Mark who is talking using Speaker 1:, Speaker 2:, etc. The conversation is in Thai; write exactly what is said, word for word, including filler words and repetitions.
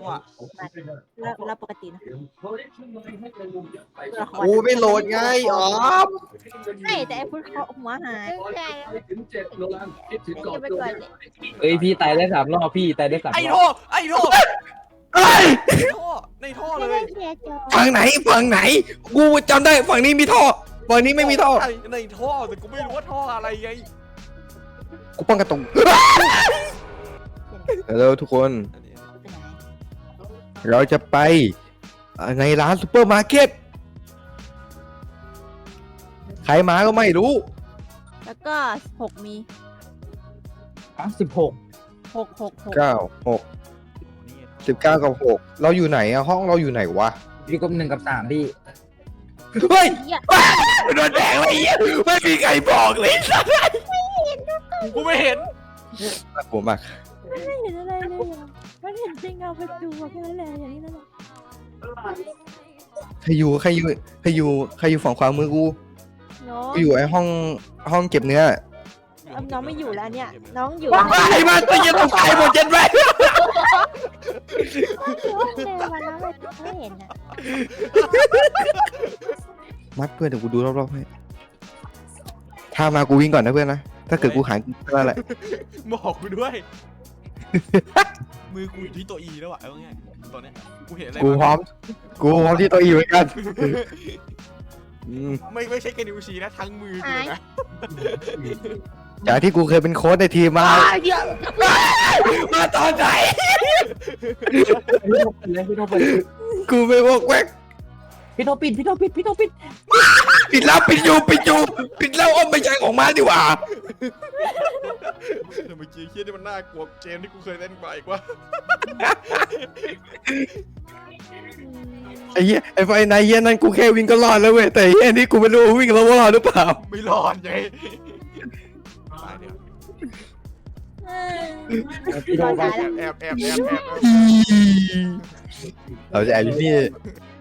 Speaker 1: ว่ะ
Speaker 2: เราเราปกตินะ
Speaker 3: โอ้ไม่โหลดไงอ๋อ
Speaker 2: ไม่แต่ไอ้พุทธเขาหัวหายใช่แล้วไปก่อนเลย
Speaker 4: เอ้ยพี่ตายได้สามรอบพี่ตายได้สาม
Speaker 1: ไอ้
Speaker 4: ร
Speaker 1: ท่
Speaker 4: อ
Speaker 1: อบ ไอ้ท่อ
Speaker 3: เอ้ย
Speaker 1: ในท่อในท่อ
Speaker 2: ไม่
Speaker 1: เล
Speaker 2: ได้
Speaker 1: ย
Speaker 2: เคลียร์จอ
Speaker 3: ฝั่งไหนฝั่งไหน กูจำได้ฝั่งนี้มีท่อฝั่งนี้ไม่มีท่อ
Speaker 1: ใช่ในท่อแต่กูไม่รู้ว่าท่ออะไรไง
Speaker 3: กูป้องกันตรงฮัลโหลทุกคน
Speaker 1: อันนี้
Speaker 2: ไปไหน
Speaker 3: เราจะไปในร้านซูเปอร์มาร์เก็ตใครมาก็ไม่รู้
Speaker 2: แล้วก็หกมี
Speaker 4: สิบหก
Speaker 2: หกหกหก
Speaker 3: เก้าหกสิบเก้ากับหกเราอยู่ไหนอะห้องเราอยู่ไหนวะ
Speaker 4: พี่กบหนึ่งกับสามพี่
Speaker 3: เฮ้ย
Speaker 2: เหี้ย
Speaker 3: โดนแดงอะไรเงี้ยไม่มีใครบอกเลยสัส
Speaker 1: กูไม่เห็น
Speaker 3: น่ากลัวมาก
Speaker 2: ไม่เห็นอะไรเลยอ่ะมันเห็นเป็นเงาประตูแค่นั้นแหละอย่างนี้นั่นแหละ
Speaker 3: ใครอยู่ใครอยู่ใครอยู่ใครอยู่ฝั่งขวามือกู
Speaker 2: น้อง
Speaker 3: กูอยู่ไอ้ห้องห้องเก็บเนื้อ
Speaker 2: น้องไม่อยู่แล้วเนี่ยน้องอยู่
Speaker 3: ไอ้มาตัวเย็นตกใจหมดเย็นไป
Speaker 2: เดินมาแล้วไม่เห็นอ่ะ
Speaker 3: มัดเพื่อนเดี๋ยวกูดูรอบๆให้ถ้ามากูวิ่งก่อนนะเพื่อนนะถ้าเกิดกูหายก็นั่นแหละ
Speaker 1: บอกกูด้วย มือกูอยู่ที่ตัวอีแล้วอ่ะเอาง่ายๆตอนเนี้ยกูเห็นอะไร
Speaker 3: กูพร้อมกูพร้อมที่ตัวอีเหมือนกันอืม
Speaker 1: ไม่ไม่ใช่แค่นิ้วชี้นะทั้งมือกูเลยนะ
Speaker 3: จากที่กูเคยเป็นโค้ชในทีมมามาตอนไหน
Speaker 4: พี่โทรปิดเลยพี่โทรปิด
Speaker 3: กูไม่วอกแวก
Speaker 4: พี่โทรปิดพี่โทรปิดพี่โทรปิด
Speaker 3: ปิดแล้วปิดอยู่ปิดอยู่ปิดแล้วอ้อมไม่ใช่ของมาดีกว่า
Speaker 1: แต่เมื่อกี้เฮียนี่มันน่ากลัวเกมที่กูเคยเล่นกว่าอีกว่า
Speaker 3: ไอ้เหี้ยไอ้ไฟนายเหี้ยนั่นกูแค่วิ่งก็รอดแล้วเว้ยแต่ไอ้เหี้ยนี่กูไม่รู้ว่าวิ่งแล้วว่ารอดหรือเปล่า
Speaker 1: ไม่รอดไงตายเดี๋ยว
Speaker 4: พี่โทร
Speaker 1: แอ
Speaker 4: ไป
Speaker 1: บแอบแอบแอบแอบแอบ
Speaker 3: เราจะแอบอยู่นี่